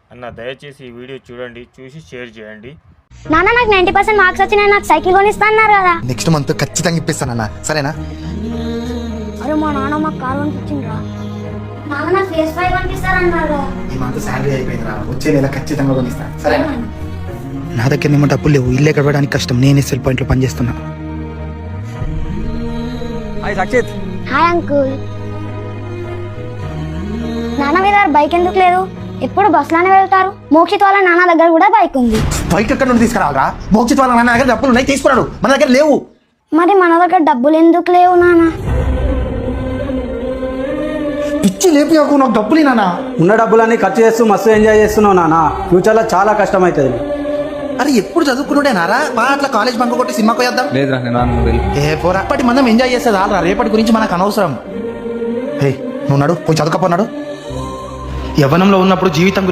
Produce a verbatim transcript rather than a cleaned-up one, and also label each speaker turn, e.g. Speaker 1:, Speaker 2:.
Speaker 1: అన్న దయచేసి ఈ వీడియో చూడండి, చూసి షేర్ చేయండి.
Speaker 2: నాన్న నాకు నైన్టీ పర్సెంట్ మార్క్స్ వచ్చినాయి, నాకు సైకిల్ కొనిస్తా అన్నారు కదా.
Speaker 3: నెక్స్ట్ మంత్ ఖచ్చితంగా ఇప్పిస్తానన్నా, సరేనా?
Speaker 2: అరే మా నాన్న మాకు కారు కొనిపించిండ్రా. నాన్న నాకు ఫేస్ ఫైవ్ కొనిపిస్తారన్నారు.
Speaker 3: ఈ మంత్ శాలరీ అయిపోయిందిరా, వచ్చే నెల ఖచ్చితంగా కొనిస్తా, సరేనా? నా దగ్గర ఏమో డబ్బులు లేవు, ఇల్లు గడవడానికి కష్టం, నేనే సెల్ పాయింట్లో పనిచేస్తున్నా.
Speaker 4: హాయ్ సక్షిత్.
Speaker 2: Hi uncle. నాన్న మీద బైక్ ఎందుకు లేదు? ఎప్పుడు బస్సులోనే వెళ్తారు. మోక్షిత్ వాళ్ళ నాన్న దగ్గర కూడా బైక్ ఉంది.
Speaker 3: బైక్ ఎక్కడ నుండి తీసుకురావాలరా? మోక్షిత్ వాళ్ళ నాన్న దగ్గర డబ్బులు ఉన్నాయి, తీసుకున్నాడు, మన దగ్గర లేవు.
Speaker 2: మరి మన దగ్గర డబ్బులు ఎందుకు లేవు నాన్న?
Speaker 3: పిచ్చి లేపి నాకు డబ్బులు నాన్న.
Speaker 4: ఉన్న డబ్బులన్నీ ఖర్చు చేస్తూ మస్తు ఎంజాయ్ చేస్తున్నావు నాన్న, ఫ్యూచర్లో చాలా కష్టం అవుతుంది.
Speaker 3: అరే ఎప్పుడు చదువుకున్నాడే నారా, మా అట్లా కాలేజ్ బంక్ కొట్టి సినిమాకి పోయేద్దాం.
Speaker 5: లేదురా నేను
Speaker 3: ఏ పోరా, అప్పటి మనం ఎంజాయ్ చేసేది ఆలరా, రేపటి గురించి మనకు అనవసరం. హే నువ్వు నడు, పోయి చదువుకపోన్నాడు. యవ్వనంలో ఉన్నప్పుడు జీవితం